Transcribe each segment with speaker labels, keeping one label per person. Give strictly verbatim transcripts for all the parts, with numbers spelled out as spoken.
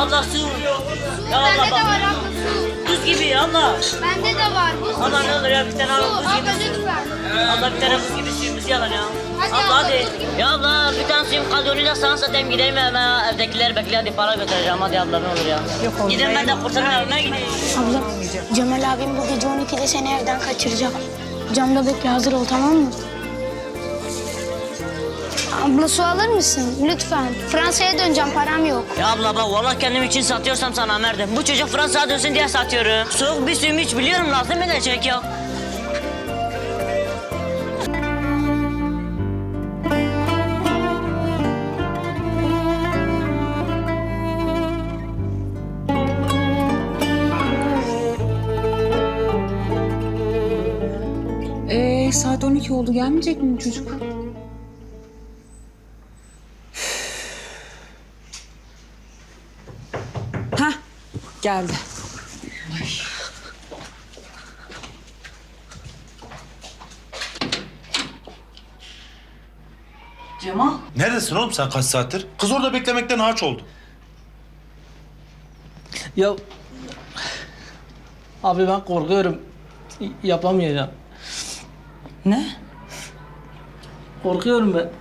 Speaker 1: Abla su. Ya abla
Speaker 2: Bende de
Speaker 1: bak.
Speaker 2: var abla su.
Speaker 1: Buz gibi abla.
Speaker 2: Bende de var buz.
Speaker 1: Abla ne olur ya bir tane
Speaker 2: Su
Speaker 1: abla buz gibi
Speaker 2: abla
Speaker 1: su.
Speaker 2: lütfen.
Speaker 1: Abla bir tane buz gibi suyumuzu yalan ya.
Speaker 2: Hadi
Speaker 1: abla
Speaker 2: abla,
Speaker 1: hadi.
Speaker 2: buz gibi.
Speaker 1: Ya abla bir tane suyum kaldı onu da sana satayım gideyim hemen evdekiler bekliyor hadi para götüreceğim hadi abla ne olur ya.
Speaker 3: Yok oğlum,
Speaker 1: Gidin ben de kurtarma evime gideyim.
Speaker 4: Abla, Cemal abim bu gece on ikide seni evden kaçıracak. Camda bekle, hazır ol, tamam mı? Abla su alır mısın? Lütfen. Fransa'ya döneceğim, param yok.
Speaker 1: Ya abla bak vallahi kendim için satıyorsam sana merdim. Bu çocuk Fransa'ya dönsün diye satıyorum. Soğuk bir suyumu hiç biliyorum lazım edecek ya.
Speaker 3: Ee, saat on iki oldu. Gelmeyecek mi bu çocuk? Hah, geldi. Cemal.
Speaker 5: Neredesin oğlum sen kaç saattir? Kız orada beklemekten harç oldu.
Speaker 6: Ya abi ben korkuyorum. Y- Yapamayacağım.
Speaker 3: Ne?
Speaker 6: Korkuyorum ben.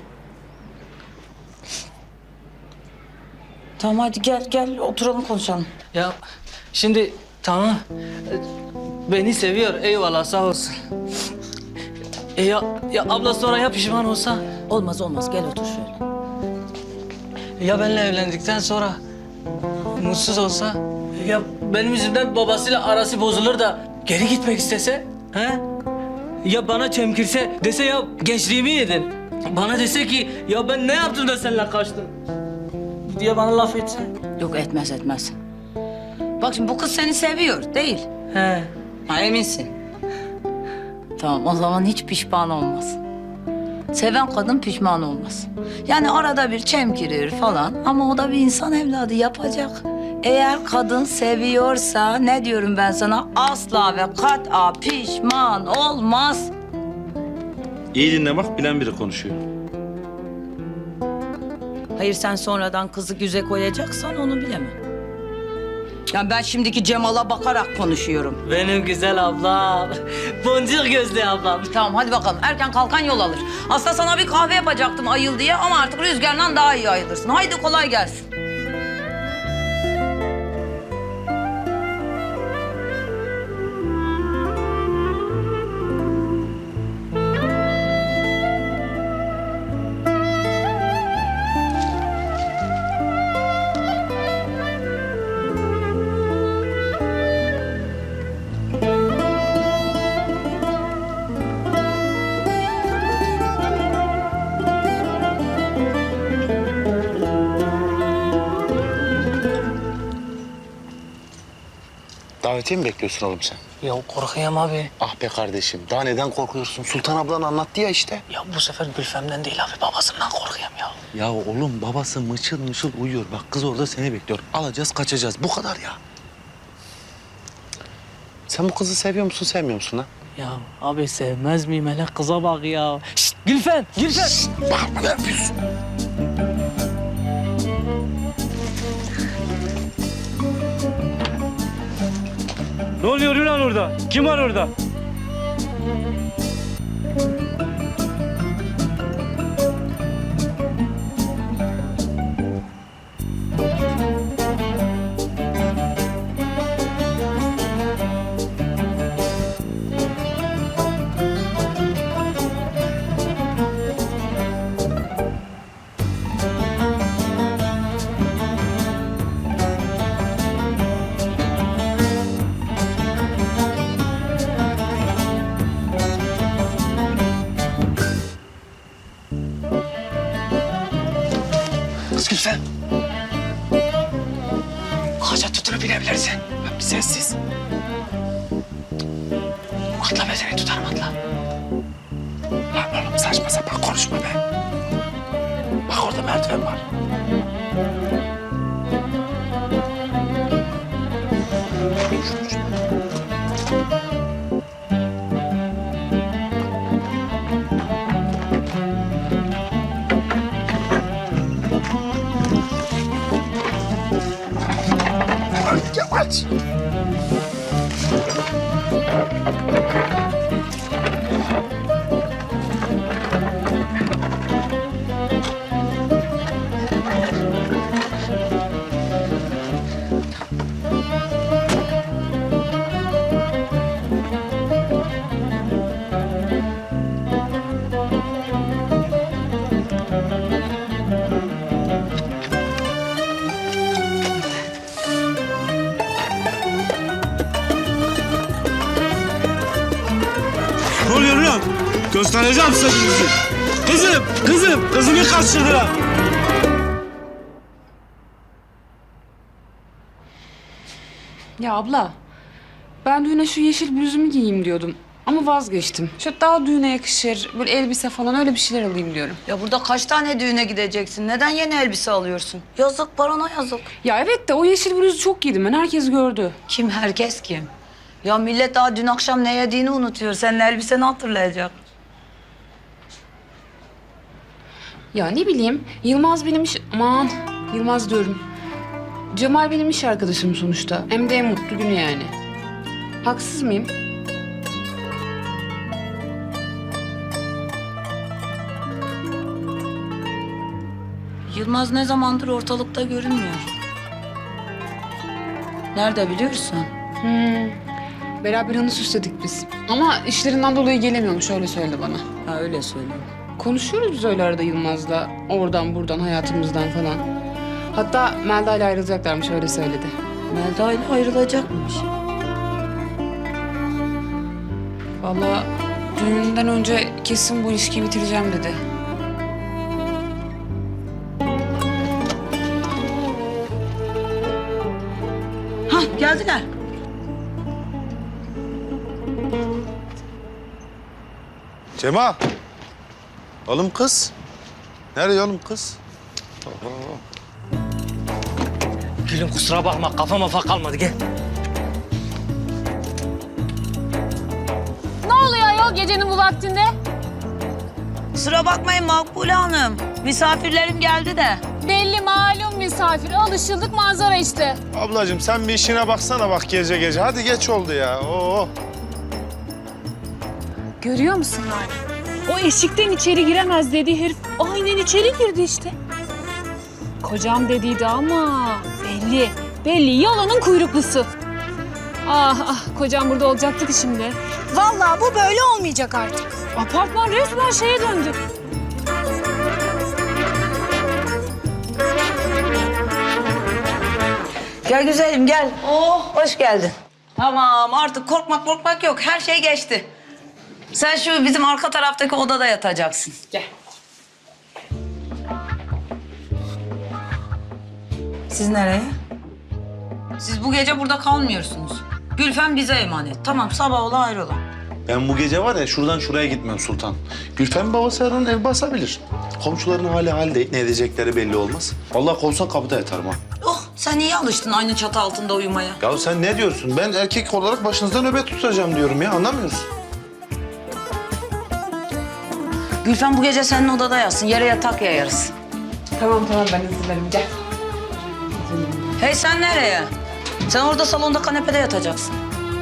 Speaker 3: Tamam hadi gel gel oturalım konuşalım.
Speaker 6: Ya şimdi tamam. e, Beni seviyor. Eyvallah sağ olsun. E ya, ya abla sonra ya pişman olsa?
Speaker 3: Olmaz olmaz gel otur şöyle.
Speaker 6: Ya benimle evlendikten sonra mutsuz olsa? Ya benim yüzümden babasıyla arası bozulur da geri gitmek istese? He? Ya bana çemkirse dese ya gençliğimi yedin. Bana dese ki ya ben ne yaptım da seninle kaçtım diye bana laf etse.
Speaker 3: Yok etmez etmez. Bak şimdi bu kız seni seviyor değil.
Speaker 6: He.
Speaker 3: Ha, eminsin. Tamam o zaman hiç pişman olmaz. Seven kadın pişman olmaz. Yani arada bir çemkirir falan ama o da bir insan evladı yapacak. Eğer kadın seviyorsa ne diyorum ben sana asla ve kat'a pişman olmaz.
Speaker 5: İyi dinle bak bilen biri konuşuyor.
Speaker 3: Hayır sen sonradan kızı güze koyacaksan onu bilemem. Yani ben şimdiki Cemal'a bakarak konuşuyorum.
Speaker 6: Benim güzel ablam. Boncuk gözlü ablam.
Speaker 3: Tamam hadi bakalım. Erken kalkan yol alır. Aslında sana bir kahve yapacaktım ayıl diye ama artık rüzgarla daha iyi ayılırsın. Haydi kolay gelsin.
Speaker 5: Davetiye mi bekliyorsun oğlum sen?
Speaker 6: Ya korkuyorum abi.
Speaker 5: Ah be kardeşim daha neden korkuyorsun? Sultan ablan anlattı ya işte.
Speaker 6: Ya bu sefer Gülfem'den değil abi babasından korkuyorum ya.
Speaker 5: Ya oğlum babası mışıl mışıl uyuyor. Bak kız orada seni bekliyor. Alacağız kaçacağız bu kadar ya. Sen bu kızı seviyor musun sevmiyor musun ha?
Speaker 6: Ya abi sevmez miyim hele kıza bak ya. Şşt Gülfem, Gülfem.
Speaker 5: Bağırma ne yapıyorsun?
Speaker 7: Ne oluyor lan orada? Kim var orada?
Speaker 5: Kız Gülfem. Ağaca tutunup binebilirsin. Bak bir sessiz. Atla be seni tutarım atla. Lan oğlum saçma sapan konuşma be. Bak orada merdiven var. Ay yavaş.
Speaker 7: Ne oluyor lan? Göstereceğim size gününüzü. Kızım, kızım, kızımı kaçırdılar.
Speaker 8: Ya abla, ben düğüne şu yeşil bluzumu giyeyim diyordum. Ama vazgeçtim. Şu daha düğüne yakışır, böyle elbise falan öyle bir şeyler alayım diyorum.
Speaker 3: Ya burada kaç tane düğüne gideceksin? Neden yeni elbise alıyorsun? Yazık, parana yazık.
Speaker 8: Ya evet de o yeşil bluzu çok giydim ben, herkes gördü.
Speaker 3: Kim, herkes kim? Ya millet daha dün akşam ne yediğini unutuyor. Senin elbiseni hatırlayacak.
Speaker 8: Ya ne bileyim, Yılmaz benim iş... Aman, Yılmaz diyorum. Cemal benim iş arkadaşım sonuçta. Hem de en mutlu günü yani. Haksız mıyım?
Speaker 3: Yılmaz ne zamandır ortalıkta görünmüyor. Nerede biliyorsun?
Speaker 8: Hmm. Beraber anı süsledik biz. Ama işlerinden dolayı gelemiyormuş, öyle söyledi bana.
Speaker 3: Ha, öyle söyleyeyim.
Speaker 8: Konuşuyoruz biz öyle arada Yılmaz'la. Oradan buradan, hayatımızdan falan. Hatta Melda ile ayrılacaklarmış, öyle söyledi.
Speaker 3: Melda ile ayrılacakmış.
Speaker 8: Vallahi düğünden önce kesin bu ilişkiyi bitireceğim dedi.
Speaker 3: Hah, geldiler.
Speaker 9: Cemal. Oğlum kız. Nereye oğlum kız?
Speaker 6: Gülüm kusura bakma kafama fa kalmadı gel.
Speaker 2: Ne oluyor ayol gecenin bu vaktinde?
Speaker 3: Kusura bakmayın Makbule Hanım. Misafirlerim geldi de.
Speaker 2: Belli malum misafir. Alışıldık manzara işte.
Speaker 9: Ablacığım sen bir işine baksana bak gece gece. Hadi geç oldu ya. Oo.
Speaker 2: Görüyor musun Lale? O eşikten içeri giremez dediği herif aynen içeri girdi işte. Kocam dediydi ama belli. Belli yalanın kuyruklusu. Ah ah kocam burada olacaktı ki şimdi.
Speaker 4: Vallahi bu böyle olmayacak artık.
Speaker 2: Apartman resmen şeye döndü.
Speaker 3: Gel güzelim gel. Oh, hoş geldin. Tamam, artık korkmak korkmak yok. Her şey geçti. Sen şu bizim arka taraftaki odada yatacaksın.
Speaker 8: Gel.
Speaker 3: Siz nereye? Siz bu gece burada kalmıyorsunuz. Gülfem bize emanet. Tamam, sabah ola ayrılın.
Speaker 9: Ben bu gece var ya şuradan şuraya gitmem Sultan. Gülfem babası her an ev basabilir. Komşuların hali hal değil. Ne edecekleri belli olmaz. Vallahi kovsan kapıda yatarım ha.
Speaker 3: Oh, sen iyi alıştın aynı çatı altında uyumaya.
Speaker 9: Ya sen ne diyorsun? Ben erkek olarak başınızda nöbet tutacağım diyorum ya. Anlamıyorsun.
Speaker 3: Gülfem bu gece senin odada yatsın. Yere yatak yayarız.
Speaker 8: Tamam tamam ben hazırlarım, gel.
Speaker 3: Hey sen nereye? Sen orada salonda kanepede yatacaksın.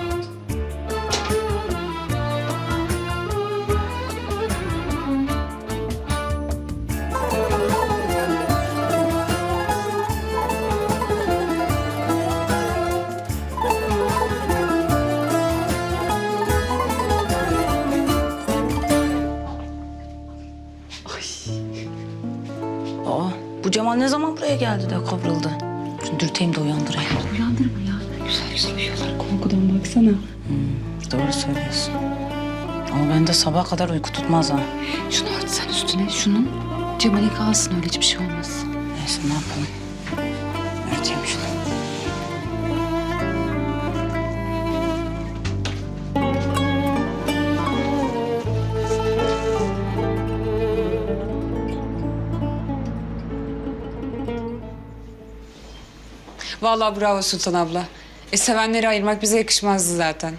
Speaker 3: Aa, bu Cemal ne zaman buraya geldi de kıvrıldı? Şunu dürteyim de uyandırayım.
Speaker 8: Uyandırma ya. Güzel güzel uyuyorlar. Korkudan baksana.
Speaker 3: Doğru söylüyorsun. Ama bende sabaha kadar uyku tutmaz ha.
Speaker 8: Şunu ört sen üstüne. Şunun Cemal'e kalsın, öyle hiçbir şey olmaz.
Speaker 3: Neyse ne yapalım? Örteyim şunu.
Speaker 8: Vallahi bravo Sultan abla. E sevenleri ayırmak bize yakışmazdı zaten.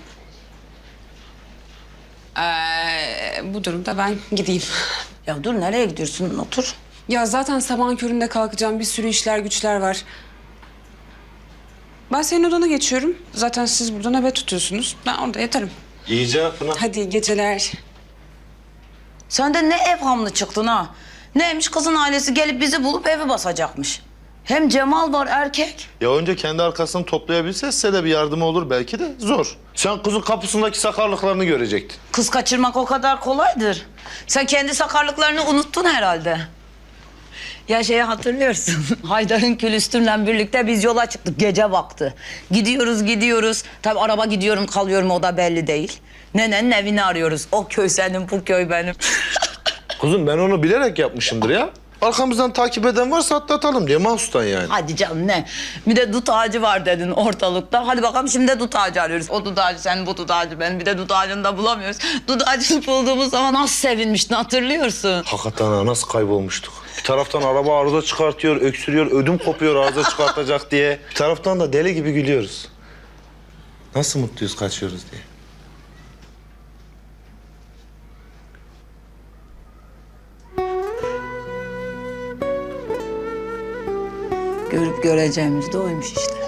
Speaker 8: Ee, bu durumda ben gideyim.
Speaker 3: Ya dur, nereye gidiyorsun? Otur.
Speaker 8: Ya zaten sabahın köründe kalkacağım. Bir sürü işler güçler var. Ben senin odana geçiyorum. Zaten siz burada nöbet tutuyorsunuz. Ben orada yatarım.
Speaker 9: İyice Pınar.
Speaker 8: Hadi iyi geceler.
Speaker 3: Sen de ne evhamlı çıktın ha? Neymiş kızın ailesi gelip bizi bulup evi basacakmış. Hem Cemal var erkek.
Speaker 9: Ya önce kendi arkasını toplayabilse size de bir yardımı olur belki de zor. Sen kızın kapısındaki sakarlıklarını görecektin.
Speaker 3: Kız kaçırmak o kadar kolaydır. Sen kendi sakarlıklarını unuttun herhalde. Ya şeyi hatırlıyorsun. Haydar'ın külüstürle birlikte biz yola çıktık gece vakti. Gidiyoruz gidiyoruz. Tabii araba gidiyorum kalıyorum o da belli değil. Nenenin evini arıyoruz. O köy senin bu köy benim.
Speaker 9: Kızım ben onu bilerek yapmışımdır ya. Arkamızdan takip eden varsa atlatalım diye mahsustan yani.
Speaker 3: Hadi canım ne? Bir de dut ağacı var dedin ortalıkta. Hadi bakalım şimdi de dut ağacı arıyoruz. O dut ağacı senin, bu dut ağacı benim. Bir de dut ağacını da bulamıyoruz. Dut ağacını bulduğumuz zaman nasıl sevinmiştin hatırlıyorsun.
Speaker 9: Hakikaten ha, nasıl kaybolmuştuk. Bir taraftan araba arıza çıkartıyor, öksürüyor, ödüm kopuyor arıza çıkartacak diye. Bir taraftan da deli gibi gülüyoruz. Nasıl mutluyuz kaçıyoruz diye.
Speaker 3: Görüp göreceğimiz de oymuş işte.